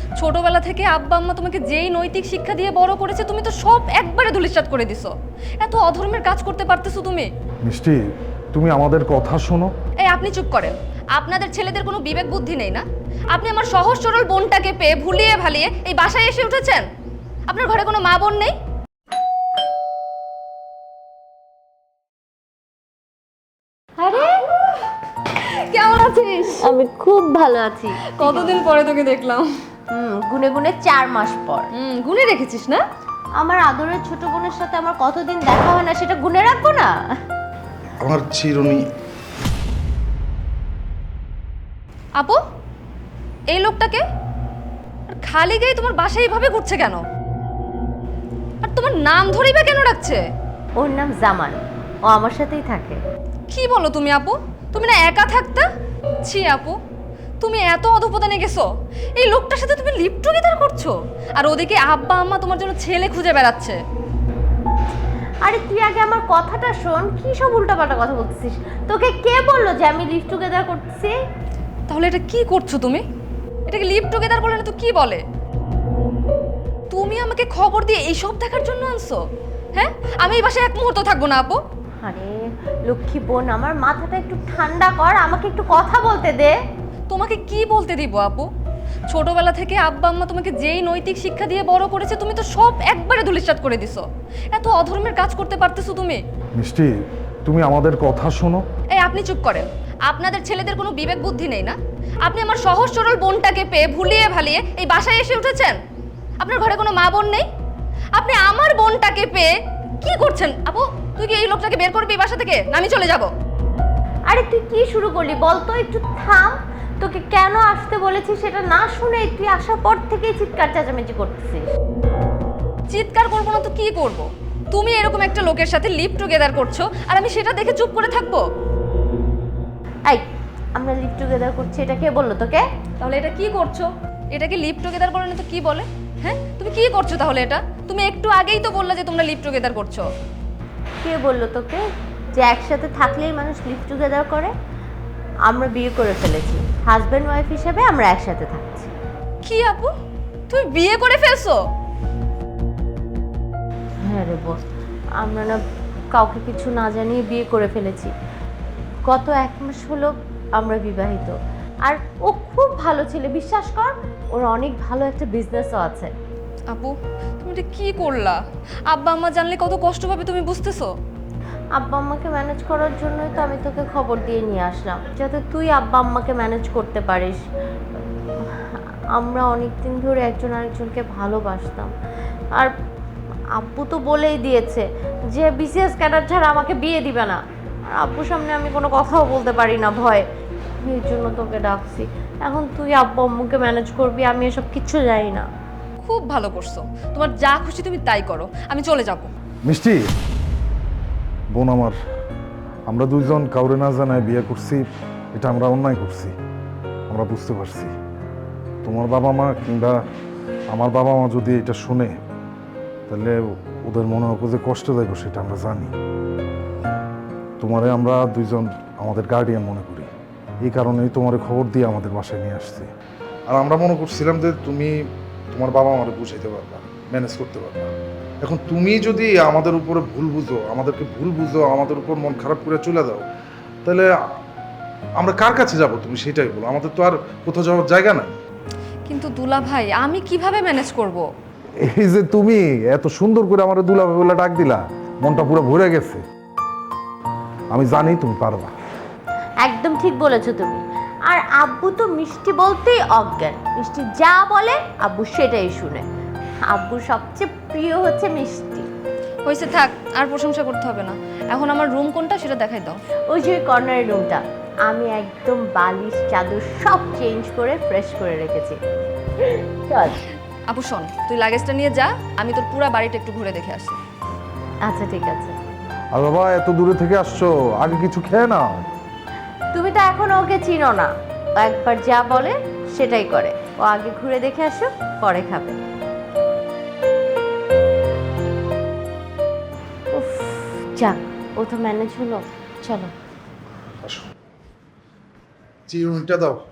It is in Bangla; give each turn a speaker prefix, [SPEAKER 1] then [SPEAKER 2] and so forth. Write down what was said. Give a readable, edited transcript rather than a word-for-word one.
[SPEAKER 1] ছোটবেলা থেকে আব্বা আম্মা তোমাকে যেই নৈতিক শিক্ষা দিয়ে বড় করেছে তুমি তো সব একবারে ধূলিসাৎ করে দিছো। এত অধর্মের কাজ করতে পারতেছো তুমি?
[SPEAKER 2] মিষ্টি, তুমি আমাদের কথা শোনো।
[SPEAKER 1] এই আপনি চুপ করেন। আপনাদের ছেলেদের কোনো বিবেক বুদ্ধি নেই না? আপনি আমার সহজ সরল বোনটাকে পেয়ে ভুলিয়ে ভালিয়ে এই বাসায় এসে উঠেছেন। আপনার ঘরে কোনো মা বোন নেই?
[SPEAKER 3] আরে
[SPEAKER 1] কেমন আছিস?
[SPEAKER 3] আমি খুব ভালো আছি।
[SPEAKER 1] কতদিন পরে তোকে দেখলাম।
[SPEAKER 3] গুনে গুনে 4 মাস পর।
[SPEAKER 1] গুনে রেখেছিস না?
[SPEAKER 3] আমার আদরের ছোট বোনের সাথে আমার কতদিন দেখা হয় না সেটা গুনে রাখবো না?
[SPEAKER 2] আমার চিরুনি।
[SPEAKER 1] আপু, এই লোকটাকে আর খালি গায়ে তোমার বাসায় এইভাবে ঘুরছে কেন? আর তোমার নাম ধরেই বা কেন রাখছে?
[SPEAKER 3] ওর নাম জামান, ও আমার সাথেই থাকে।
[SPEAKER 1] কি বলো তুমি আপু? তুমি না একা থাকতা? ছি আপু, তুমি এত অধপতনে গেছো? এই লোকটার সাথে তুমি লিভ টুগেদার করছো, আর ওদিকে আব্বা আম্মা তোমার জন্য ছেলে খুঁজে বেড়াচ্ছে।
[SPEAKER 3] আরে তুই আগে আমার কথাটা শোন, কি সব উল্টাপাল্টা কথা বলছিস? তোকে কে বললো যে আমি লিভ টুগেদার করতেছি?
[SPEAKER 1] তাহলে এটা কি করছো তুমি? এটাকে লিভ টুগেদার বলে না তো কি বলে? তুমি আমাকে খবর দিয়ে এইসব দেখার জন্য আনছো? হ্যাঁ, আমি এই বাসায় এক মুহূর্ত থাকবো না আপু।
[SPEAKER 3] আরে লক্ষ্মী বোন, আমার মাথাটা একটু ঠান্ডা কর, আমাকে একটু কথা বলতে দে।
[SPEAKER 1] তোমাকে কি বলতে দিব আপু? ছোটবেলা থেকে আব্বা আম্মা তোমাকে যেই নৈতিক শিক্ষা দিয়ে বড় করেছে তুমি তো সব একবারে ধূলিসাৎ করে দিছো। এত অধর্মের কাজ করতে পারতেছো তুমি?
[SPEAKER 2] মিষ্টি, তুমি আমাদের কথা শোনো।
[SPEAKER 1] এই আপনি চুপ করেন। আপনাদের ছেলেদের কোনো বিবেক বুদ্ধি নেই না? আপনি আমার সহজ সরল বোনটাকে পেয়ে ভুলিয়ে ভালিয়ে এই বাসায় এসে উঠেছেন। আপনার ঘরে কোনো মা বোন নেই? আপনি আমার বোনটাকে পেয়ে কি করছেন? আপু, তুই কি এই লোকটাকে বের করবি এই বাসা থেকে, না আমি চলে যাব?
[SPEAKER 3] আরে তুই কি শুরু করলি বল তো, একটু থাম। তোকে কেন আসতে বলেছি সেটা না শুনে তুই আসার পর থেকেই চিৎকার চেঁচামেচি করতেছিস।
[SPEAKER 1] চিৎকার করবো না তো কি করব? তুমি এরকম একটা লোকের সাথে লিভ টুগেদার করছো আর আমি সেটা দেখে চুপ করে থাকবো?
[SPEAKER 3] এই, আমরা লিভ টুগেদার করছি এটা কে বললো তোকে?
[SPEAKER 1] তাহলে এটা কি করছো? এটাকে লিভ টুগেদার বলে না তো কি বলে? হ্যাঁ, তুমি কি করছো তাহলে এটা? তুমি একটু আগেই তো বললে যে তোমরা লিভ টুগেদার করছো।
[SPEAKER 3] কে বললো তোকে যে একসাথে থাকলেই মানুষ লিভ টুগেদার করে? আমরা বিয়ে করে ফেলেছি, হাজব্যান্ড ওয়াইফ হিসেবে আমরা একসাথে থাকছি।
[SPEAKER 1] কি আপু, তুমি বিয়ে করে ফেলছো?
[SPEAKER 3] হ্যাঁ রে বস, আমরা না কাউকে কিছু না জানিয়ে বিয়ে করে ফেলেছি। গত 1 মাস হলো আমরা বিবাহিত। আর ও খুব ভালো ছেলে, বিশ্বাস কর। ওর অনেক ভালো একটা বিজনেসও আছে।
[SPEAKER 1] আপু, তুমি এটা কি করলা? আব্বা আম্মা জানলে কত কষ্ট পাবে তুমি বুঝতেছো?
[SPEAKER 3] আব্বা আম্মাকে ম্যানেজ করার জন্যই তো আমি তোকে খবর দিয়ে নিয়ে আসলাম, যাতে তুই আব্বা আম্মাকে ম্যানেজ করতে পারিস। আমরা অনেক দিন ধরে একজন আরেকজনকে ভালোবাসতাম। আর আব্বু তো বলেই দিয়েছে যে বিসিএস ক্যাডার ছাড়া আমাকে বিয়ে দিবে না। আর আব্বুর সামনে আমি কোনো কথাও বলতে পারি না ভয়। এই জন্য তোকে ডাকছি। এখন তুই আব্বু আম্মুকে ম্যানেজ করবি, আমি এসব কিচ্ছু জানি না।
[SPEAKER 1] খুব ভালো করছো। তোমার যা খুশি তুমি তাই করো, আমি চলে যাব।
[SPEAKER 2] মিষ্টি বোন আমার, আমরা দুইজন কাউরে না জানায় বিয়ে করছি, এটা আমরা অন্যায় করছি। আমরা বুঝতে পারছি। তোমার বাবা মা কিংবা আমার বাবা মা যদি এটা শুনে তাহলে ওদের মনে হবে যে কষ্ট দেব, সেটা আমরা জানি। তোমারে আমরা দুইজন আমাদের গার্ডিয়ান মনে করি, এই কারণেই তোমারে খবর দিয়ে আমাদের বাসায় নিয়ে আসছি। আর আমরা মনে করছিলাম যে তুমি তোমার বাবা মারে বুঝাইতে পারবা, ম্যানেজ করতে পারবা। এখন তুমি যদি আমাদের উপরে ভুল বুঝো, আমাদেরকে ভুল বুঝো, আমাদের উপর মন খারাপ করে চলে দাও, তাহলে আমরা কার কাছে যাব? তুমি সেটাই বলো। আমাদের তো আর কোথাও যাওয়ার জায়গা নাই।
[SPEAKER 1] কিন্তু দুলা ভাই, আমি কিভাবে ম্যানেজ করব?
[SPEAKER 2] এই যে তুমি এত সুন্দর করে আমার দুলাভাই বলে ডাক দিলা, মনটা পুরো ভরে গেছে। আমি জানি তুমি পারবা।
[SPEAKER 3] একদম ঠিক বলেছো তুমি। আর আব্বু তো মিষ্টি বলতেই অজ্ঞান। মিষ্টি যা বলে আব্বু সেটাই শুনে। আব্বুর সবচেয়ে প্রিয় হচ্ছে মিষ্টি।
[SPEAKER 1] হয়েছে, থাক, আর প্রশংসা করতে হবে না। এখন আমার রুম কোনটা সেটা দেখাই দাও।
[SPEAKER 3] ওই যে কর্নারের রুমটা, আমি একদম বালিশ চাদর সব চেঞ্জ করে ফ্রেশ করে রেখেছি। চল।
[SPEAKER 1] আপু শোন, তুই লাগেজটা নিয়ে যা, আমি তোর পুরো বাড়িটা একটু ঘুরে দেখে আসি।
[SPEAKER 3] আচ্ছা ঠিক আছে।
[SPEAKER 2] আর বাবা, এত দূরে থেকে আসছো, আগে কিছু খেয়ে নাও।
[SPEAKER 3] তুমি তো এখন ওকে চিনো না, ও একবার যা বলে সেটাই করে। ও আগে ঘুরে দেখে আসো, পরে খাবে। উফ, যাক, ও তো ম্যানেজ হলো। চলো।
[SPEAKER 2] আসো, চিরুনিটা দাও।